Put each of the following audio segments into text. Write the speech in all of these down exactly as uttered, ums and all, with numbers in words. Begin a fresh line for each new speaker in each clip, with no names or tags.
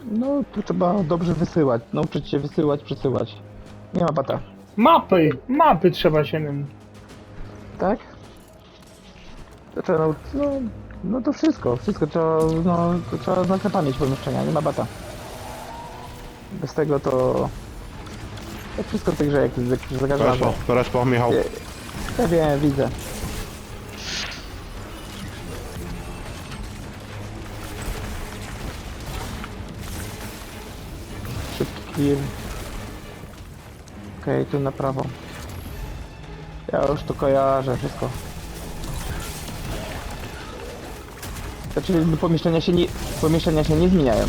No, tu trzeba dobrze wysyłać. Nauczyć się wysyłać, przesyłać. Nie ma bata.
Mapy! Mapy trzeba się nim.
Tak? To trzeba nauczyć. No, no to wszystko. Wszystko trzeba, no, to trzeba znać pamięć pomieszczenia. Nie ma bata. Bez tego to... To wszystko w tej grze, jak, jak za każdym razem.
Respo, respo, Michał.
Nie. Ja wiem, widzę. Szybki clear. Okej, okay, tu na prawo. Ja już to kojarzę wszystko. Znaczy pomieszczenia się nie, pomieszczenia się nie zmieniają.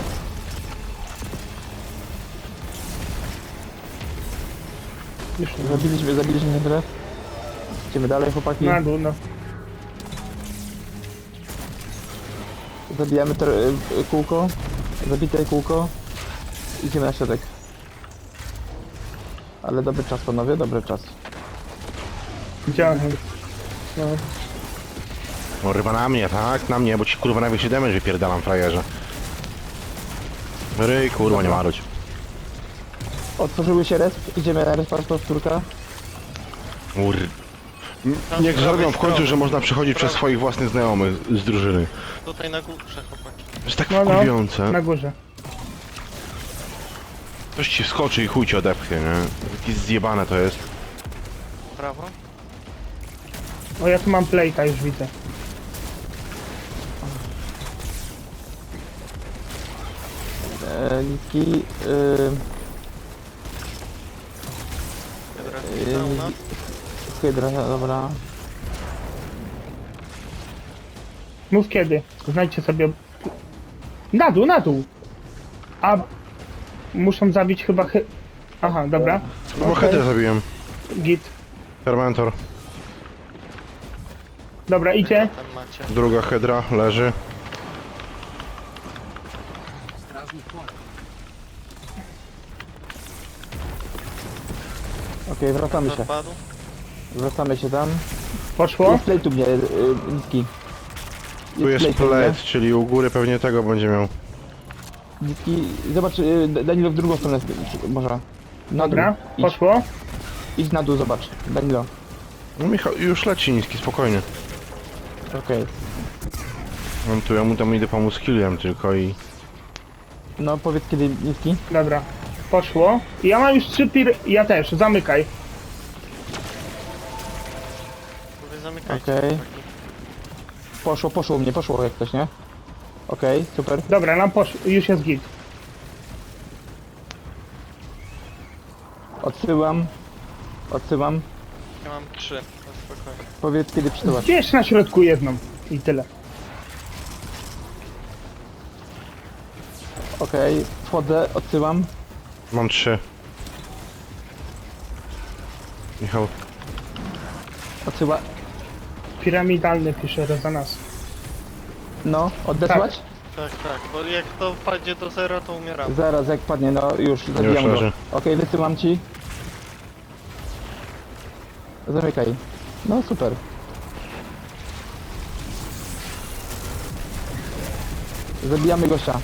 Już
Zabiliśmy, zabiliśmy tyle. Idziemy dalej, chłopaki.
na dół, no.
Zabijamy to y, kółko. Zabite kółko. Idziemy na środek. Ale dobry czas, panowie, dobry czas.
Widziałem. No.
No ryba na mnie, tak? Na mnie, bo ci kurwa najwyższy damage wypierdalam, frajerze. Ryj, kurwa, nie marudź.
Otworzyły się resp, idziemy na resp, powtórka.
Ur... Niech zrobią w końcu, że można przechodzić przez swoich własnych znajomych z drużyny.
Tutaj na górze, chłopaki.
To jest tak
No, no.
wkurwiające.
Na górze.
Ktoś ci wskoczy i chuj ci odepchnie, nie? Jakieś zjebane to jest.
Prawo.
O, ja tu mam playta, już widzę.
E, Nitki. Y,
Dobra,
y,
za u nas.
Hydra, dobra.
Mów kiedy. Znajdźcie sobie... Na dół, na dół! A... Muszą zabić chyba chy... Aha, dobra.
No bo
Okej.
header zabiłem.
Git.
Fermentor.
Dobra, idzie.
Tam macie.
Druga hedra leży.
Okej, wracamy się.
Zapadł.
Wracamy się tam.
Poszło.
Jest play tu mnie, y, Nitki.
Tu jest
play tu mnie.
plate, czyli u góry pewnie tego będzie miał.
Nitki, zobacz, y, Danilo w drugą stronę może. Na
Dobra,
dół. Idź,
poszło.
idź na dół, zobacz. Danilo.
No Michał, już leci niski, spokojnie.
Okej.
On tu, ja mu tam idę pomóc killem tylko i...
No powiedz kiedy Nitki.
Dobra, poszło. Ja mam już trzy pir... Ja też, zamykaj.
Wy zamykajcie.
Okej.
chłopaki.
Poszło, poszło u mnie, poszło jak ktoś, nie? Okej, super.
Dobra, nam poszło. Już jest git.
Odsyłam. Odsyłam.
Ja mam trzy. No spokojnie.
Powiedz kiedy przysyłasz.
Bierz na środku jedną. I tyle.
Okej, wchodzę, odsyłam.
Mam trzy. Michał,
Odsyła.
Piramidalny pisze rezonans.
No, odesłać?
Tak, tak, bo jak to wpadnie do zera, to umieramy.
Zaraz jak padnie, no już zabijam go.
leży.
Okej, wysyłam ci. Zamykaj. No super. Zabijamy gościa.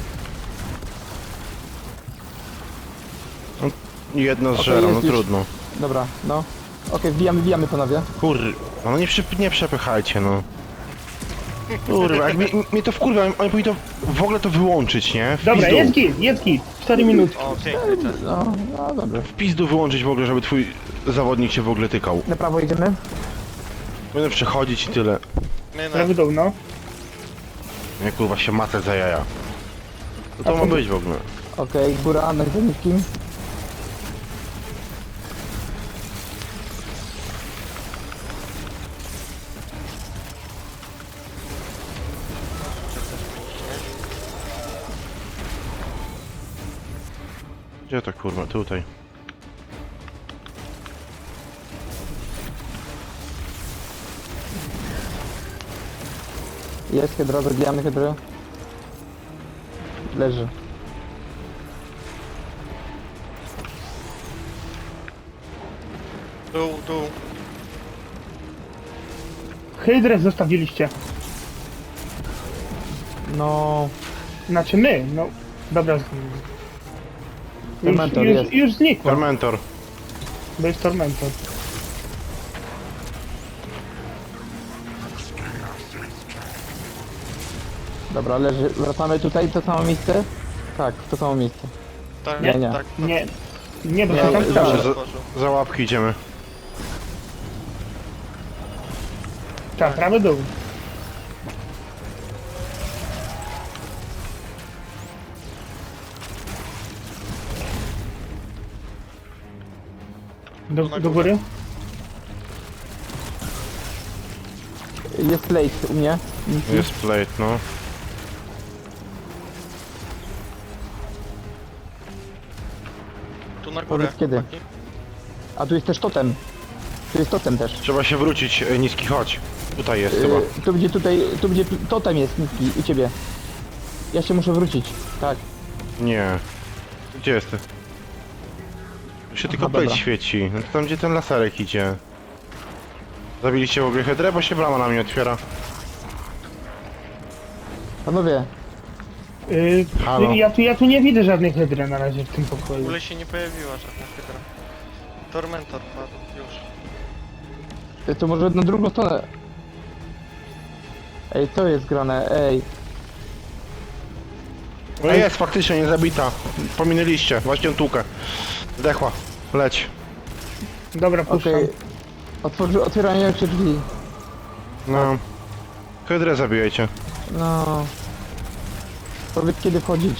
jedno z
Okej,
żera,
jest
no
już.
trudno.
Dobra, no. Okej, wbijamy, wbijamy panowie.
Kur... No nie, przy... nie przepychajcie, no. Kurwa, jak mi, mnie to wkurwa, oni powinni to w ogóle to wyłączyć, nie? W
Dobra,
pizdu.
jest git, jest git. cztery minuty.
O, piękny czas.
No, no dobra.
W pizdu wyłączyć w ogóle, żeby twój zawodnik się w ogóle tykał.
Na prawo idziemy?
Będę przechodzić i tyle.
My na...
Prawy dół, no.
Nie kurwa się matę za jaja. Co to ma być w ogóle?
Okej, góra, na nikim.
Gdzie to kurwa? Tutaj.
Jest hydra, zabijamy hydrę. Leży.
Dół, dół.
Hydrę zostawiliście.
No,
Znaczy my, no. Dobra. z- Już,
Tormentor
już,
jest.
już znikła,
Tormentor.
bo jest Tormentor.
Dobra, leży. Wracamy tutaj, w to samo miejsce? Tak, w to samo miejsce.
Tak,
Nie, nie.
tak.
Nie, nie, bo
Nie,
się tam
nie,
stało.
dobrze.
Za, za łapki idziemy.
Tak, prawy dół. Do, do góry?
Jest plate u mnie.
Jest plate, no.
Tu na górę.
Powiedz kiedy.
chłopaki.
A tu jest też totem. Tu jest totem też.
Trzeba się wrócić, e, niski, chodź. Tutaj jest chyba.
Yy, tu będzie tutaj, tu będzie totem jest niski u ciebie. Ja się muszę wrócić. Tak.
Nie. Gdzie jest ty? Tu się tylko
dobra.
plate świeci. No to tam gdzie ten laserek idzie. Zabiliście w ogóle hydrę, bo się brama na mnie otwiera.
Panowie,
Yy,
Halo.
ja, tu, ja tu nie widzę żadnej hydry na razie w tym
W
pokoju.
ogóle się nie pojawiła żadna hydra. Tormentor padł, już.
to może na drugą stronę. Ej, co jest grane? Ej.
No jest, faktycznie nie zabita. Pominęliście, właśnie tłukę. Zdechła. Leć.
Dobra, puszczam.
Okej. Otworzy, otwierają się drzwi.
No. Hydrę zabijajcie.
No. Powiedz kiedy wchodzić.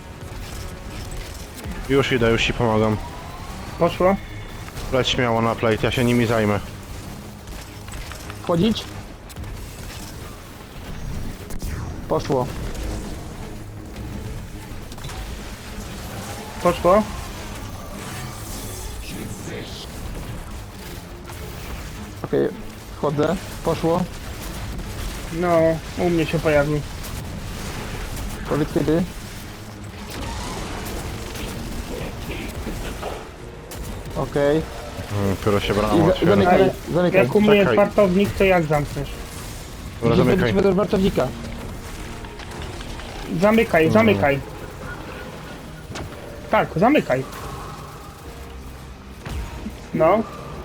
Już idę, już ci pomagam.
Poszło?
Leć śmiało na plate, ja się nimi zajmę.
Wchodzić? Poszło.
Poszło?
Okej, wchodzę. Poszło.
No, u mnie się pojawił.
Powiedz kiedy. Okej.
Hmm, dopiero się brama
I za-
otwiera.
zamykaj,
Ale
zamykaj.
Jak u mnie jest
Czekaj.
wartownik, to jak zamkniesz?
Dobra,
Gdzie
zamykaj.
wchodzimy do wartownika?
Zamykaj, zamykaj. Tak, zamykaj. No.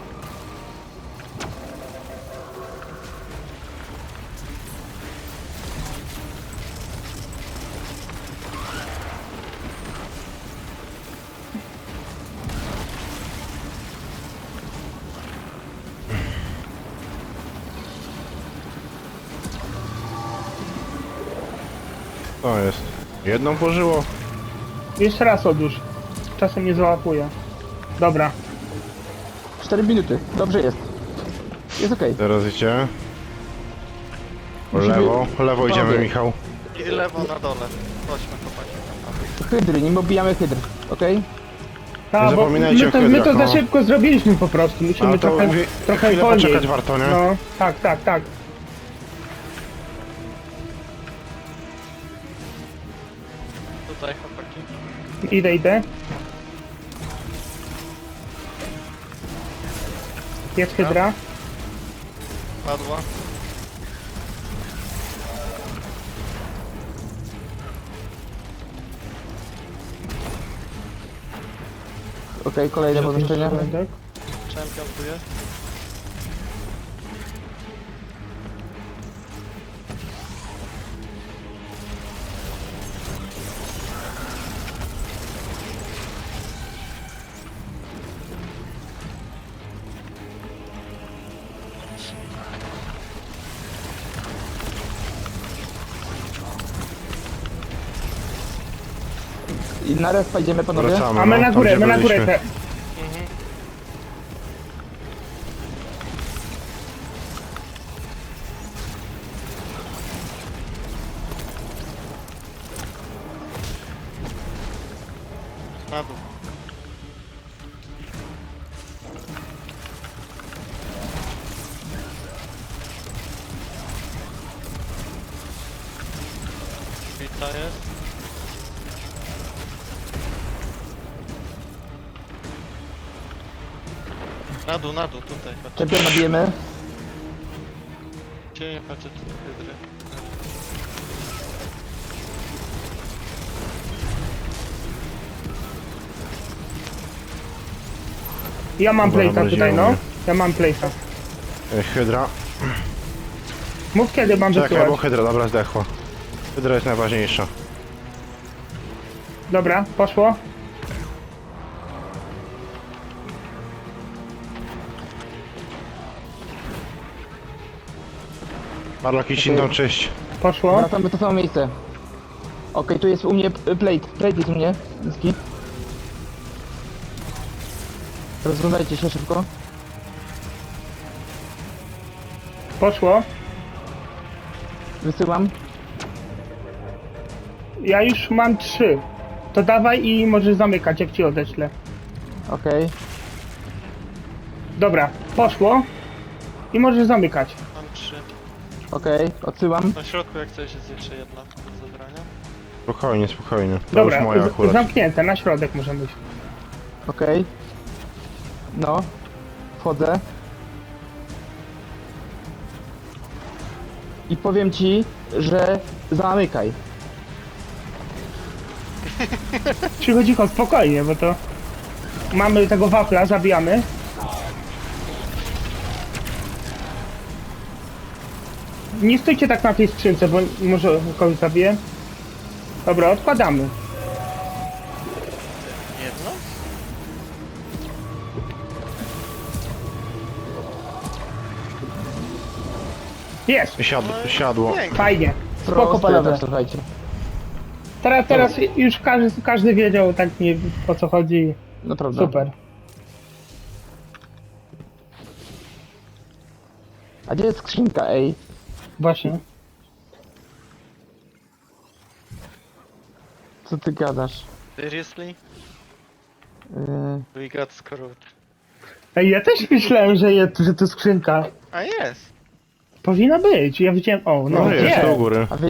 To jest. Jedną pożyło.
Jeszcze raz odłóż. Czasem nie załapuje. Dobra.
cztery minuty. Dobrze jest. Jest okej.
Teraz idzie.
Musimy-
Lewo, lewo idziemy,
Panowie.
Michał.
I lewo na dole. Chodźmy, chłopaki.
Hydry, nim obijamy hydr. Okej?
Ta,
Nie
bo
zapominajcie
my to,
o
my to
hydrach,
za
no.
szybko zrobiliśmy po prostu. Musimy
Ale to
trochę,
mówię,
trochę
chwilę
wolniej.
poczekać warto, nie?
No, tak, tak, tak.
Tutaj, chłopaki.
Idę, idę. Jest hydra.
Padła.
Okej, kolejne pomieszczenie.
Tak.
Champion tu jest.
I na raz idziemy panowie.
Wracamy.
A my
no,
na
tam,
górę,
gdzie
my na górę.
byliśmy.
Te.
Mhm. Na dół. Pizza jest. Na dół, na dół, tutaj. Patrzcie,
Czempion nabijemy.
Gdzie nie patrzę, tu hydry.
Ja mam
Dobra,
plate'a tutaj,
zamroziło
no.
mnie.
Ja mam plate'a.
E, Hydra.
Mów kiedy mam
Czekaj, bo
wysyłać.
Hydra, dobra, zdechła. Hydra jest najważniejsza.
Dobra, poszło.
Marlaki Shinton, cześć.
Poszło.
Wracamy w to samo miejsce. Okej, tu jest u mnie p- plate. Plate jest u mnie. Niski. Rozglądajcie się szybko.
Poszło.
Wysyłam.
Ja już mam trzy. To dawaj i możesz zamykać, jak ci odeślę.
Okej.
Dobra, poszło. I możesz zamykać.
Mam trzy.
Okej, odsyłam.
Na środku jak coś jest jeszcze jedna do zabrania.
Spokojnie, spokojnie. To
Dobra,
już moja
z-
akurat.
zamknięte, na środek możemy iść.
Okej. No. Wchodzę. I powiem ci, że zamykaj.
Cicho, cicho, spokojnie, bo to... Mamy tego wafla, zabijamy. Nie stójcie tak na tej skrzynce, bo może kogoś zabiję. Dobra, odkładamy.
Jedno?
Jest!
Siadło, siadło.
Pięknie.
Fajnie. Spoko,
Proste,
panowie.
tak, słuchajcie.
Teraz, teraz już każdy, każdy wiedział tak nie o co chodzi.
Naprawdę.
Super.
A gdzie jest skrzynka, ej?
Właśnie.
Co ty gadasz?
Seriously?
Yy,
We got screwed.
Ej, ja też myślałem, że, je, że to skrzynka.
A jest!
Powinna być. Ja widziałem. O, no,
No jest,
jest.
do góry.
a